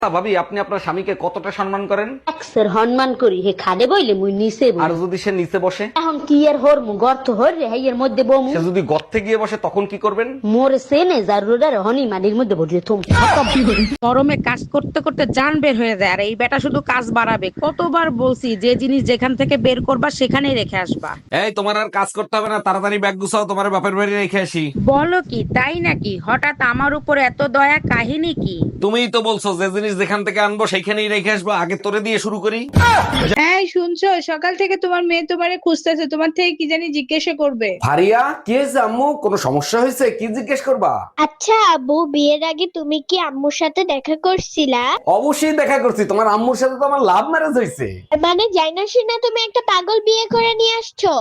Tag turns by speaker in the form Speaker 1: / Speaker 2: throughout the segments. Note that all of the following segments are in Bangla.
Speaker 1: ভাবি, আপনি আপনার স্বামীকে কতটা সম্মান করেন?
Speaker 2: এক্সের সম্মান করি হে খাদে বইলে মুই নিচে বই।
Speaker 1: আর যদি সে নিচে বসে?
Speaker 2: এখন কি এর হর মু গর্ত হর রে হেয়ের মধ্যে বমু।
Speaker 1: সে যদি গর্তে গিয়ে বসে তখন কি করবেন?
Speaker 2: মোর সেনে জারুরার হনি মানির মধ্যে বসে থুম।
Speaker 3: গরমে কাজ করতে করতে জান বের হয়ে যায়, আর এই বেটা শুধু কাজ বাড়াবে। কতবার বলছি যে জিনিস যেখান থেকে বের করবা সেখানেই রেখে আসবা।
Speaker 1: এই, তোমার আর কাজ করতে হবে না, তাড়াতাড়ি ব্যাগ গুছাও, তোমার বাপের বাড়ি রেখে আসি।
Speaker 3: বলো কি, তাই নাকি? হঠাৎ আমার উপর এত দয়া, কাহিনী কি?
Speaker 1: তুমিই তো বলছো যে জিনিস যেখান থেকে আনবো সেইখানেই রেখে আসবো, আগে তোরে দিয়ে শুরু করি।
Speaker 4: এই শুনছো, সকাল থেকে তোমার মেয়ে তোমারে খুঁজতেছে, তোমার থেকে কি জানি জিজ্ঞাসা করবে।
Speaker 1: ভারিয়া, কি হয়েছে আম্মু? কোনো সমস্যা হয়েছে? কি জিজ্ঞেস করবা?
Speaker 5: আচ্ছা আব্বু, বিয়ের আগে তুমি কি আম্মুর সাথে দেখা করছিলা?
Speaker 1: অবশ্যই দেখা করছি, তোমার আম্মুর সাথে তো আমার লাভ ম্যারেজ হয়েছে।
Speaker 5: মানে যাই না শুনে তুমি একটা পাগল বিয়ে করে নিয়ে আসছো।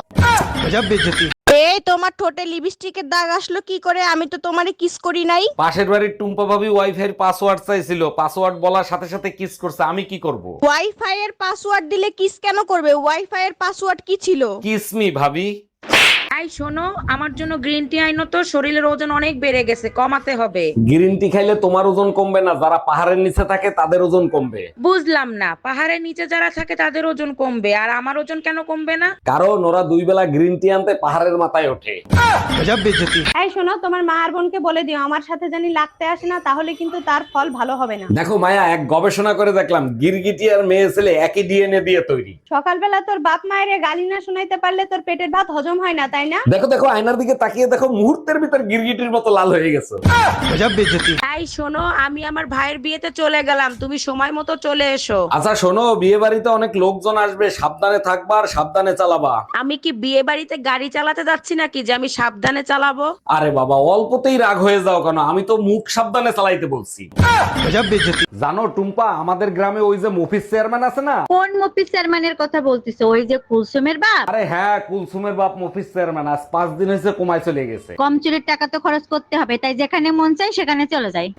Speaker 3: এই তোমার ঠোঁটে লিপস্টিকের দাগ আসলো কি করে? আমি তো তোমারে কিস করি নাই।
Speaker 1: পাশের বাড়ির টুম্পা ভাবি ওয়াইফাই এর পাসওয়ার্ড চাইছিল, পাসওয়ার্ড বলার সাথে সাথে কিস করছে, আমি কি করব?
Speaker 3: ওয়াইফাই এর পাসওয়ার্ড দিলে কিস কেন করবে? ওয়াইফাই এর পাসওয়ার্ড কি ছিল?
Speaker 1: কিস মি ভাবি।
Speaker 3: এই শোনো, আমার জন্য গ্রিন টি আইনো তো, শরীরের ওজন অনেক বেড়ে গেছে, কমাতে হবে।
Speaker 1: গ্রিন টি খাইলে তোমার ওজন কমবে না, যারা পাহাড়ের নিচে থাকে তাদের ওজন কমবে।
Speaker 3: বুঝলাম না, পাহাড়ের নিচে যারা থাকে তাদের ওজন কমবে আর আমার ওজন কেন কমবে না?
Speaker 1: কারণ ওরা দুই বেলা গ্রিন টি আনতে পাহাড়ের মাথায় ওঠে।
Speaker 6: এই শোনো, তোমার মা আর বোনকে বলে দিও আমার সাথে জানি লাগতে আসে না, তাহলে কিন্তু তার ফল ভালো হবে না।
Speaker 1: দেখো মায়া, এক গবেষণা করে দেখলাম গিরগিটি আর মেয়ে ছেলে একই ডিএনএ দিয়ে তৈরি।
Speaker 6: সকালবেলা তোর বাপ মায়ের গালি না শোনাইতে পারলে তোর পেটের ভাত হজম হয় না, তাই না?
Speaker 1: দেখো দেখো, আয়নার দিকে তাকিয়ে দেখো, মুহূর্তের ভিতর গিরগিটির মতো লাল হয়ে গেছে।
Speaker 3: এই শোনো, আমি আমার ভাইয়ের বিয়েতে চলে গেলাম, তুমি সময় মতো চলে এসো।
Speaker 1: আচ্ছা শোনো, বিয়ে বাড়িতে অনেক লোকজন আসবে, সাবধানে থাকবা আর সাবধানে চালাবা।
Speaker 3: আমি কি বিয়ে বাড়িতে গাড়ি চালাতে যাচ্ছি নাকি যে আমি সাবধানে চালাবো?
Speaker 1: আরে বাবা, অল্পতেই রাগ হয়ে যাও কেন? আমি তো মুখ সাবধানে চালাইতে বলছি। জানো টুম্পা, আমাদের গ্রামে ওই যে মফিজ চেয়ারম্যান আছে না?
Speaker 2: কোন মফিজ চেয়ারম্যানের কথা বলতিছো? ওই যে কুলসুমের বাপ?
Speaker 1: আরে হ্যাঁ, কুলসুমের বাপ মফিজ চেয়ারম্যান আজ 5 দিন হয়েছে কমায় চলে গেছে।
Speaker 2: কম চুরির টাকা তো খরচ করতে হবে, তাই যেখানে মন চাই সেখানে চলে যায়।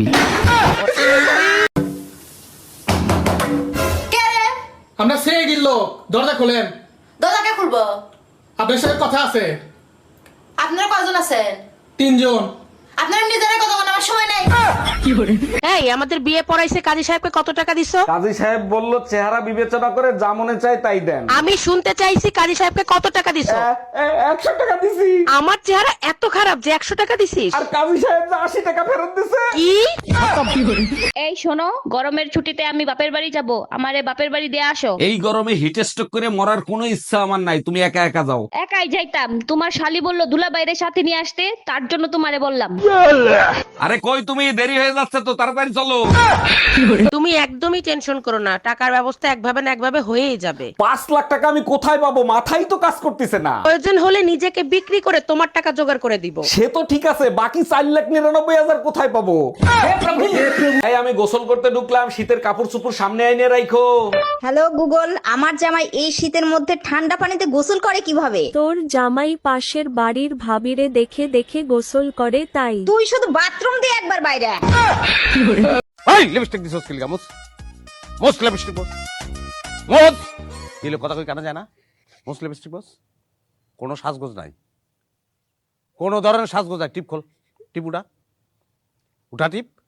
Speaker 7: আমরা সে গিল, দরজা খোলেন।
Speaker 8: দরজাকে খুলবো?
Speaker 7: আপনার সাথে কথা আছে।
Speaker 8: আপনারা কয়জন আছেন?
Speaker 7: 3 জন।
Speaker 8: আপনারা নিজেরা কথা বলার আমার সময় নাই।
Speaker 3: এই, আমাদের বিয়ে পড়াইছে কাজী সাহেবকে কত টাকা দিছো?
Speaker 1: কাজী সাহেব বলল চেহারা বিবেচনা করে যা মনে চায় তাই দেন।
Speaker 3: আমি শুনতে চাইছি কাজী সাহেবকে কত টাকা দিছো?
Speaker 1: 100 টাকা দিছি।
Speaker 3: আমার চেহারা এত খারাপ যে 100 টাকা দিছিস?
Speaker 1: আর কাজী সাহেব যে 80 টাকা ফেরত দিছে।
Speaker 3: কি?
Speaker 9: এই শোনো, গরমের ছুটিতে আমি বাপের বাড়ি যাব, আমারে বাপের বাড়ি দিয়ে আসো।
Speaker 1: এই গরমে হিট স্ট্রোক করে মরার কোনো ইচ্ছা আমার নাই, তুমি একা একা যাও।
Speaker 9: একাই যাইতাম, তোমার শালি বললো দুলা বাইরে সাথে নিয়ে আসতে, তার জন্য তোমারে বললাম।
Speaker 1: আরে কই তুমি, দেরি হয়ে যাচ্ছে তো, তাড়াতাড়ি চলো।
Speaker 3: তুমি একদমই টেনশন করো না, টাকার ব্যবস্থা একভাবে না একভাবে হয়েই যাবে।
Speaker 1: 5 লাখ টাকা আমি কোথায় পাবো? মাথাই তো কাজ করতেছে না।
Speaker 3: প্রয়োজন হলে নিজেকে বিক্রি করে তোমার টাকা জোগাড় করে দিব।
Speaker 1: সে তো ঠিক আছে, বাকি 4,99,000 কোথায় পাবো? এই, আমি গোসল করতে ঢুকলাম, শীতের কাপড় চোপড় সামনে আইনে রাখো।
Speaker 8: হ্যালো গুগল, আমার জামাই এই শীতের মধ্যে ঠান্ডা পানিতে গোসল করে কিভাবে?
Speaker 10: তোর জামাই পাশের বাড়ির ভাবিরে দেখে দেখে গোসল করে তাই।
Speaker 8: তুই শুধু বাথরুম দিয়ে একবার বাইরে আয়।
Speaker 1: এই লিপস্টিক দিছস কি গামুস? মোস লিপস্টিক বস। মোস দিলে কথা কই কানা যায় না? মোস লিপস্টিক বস। কোনো সাজগোজ নাই, কোনো ধরনের সাজগোজ নাই। টিপ খোল, টিপ উঠা, উঠা টিপ।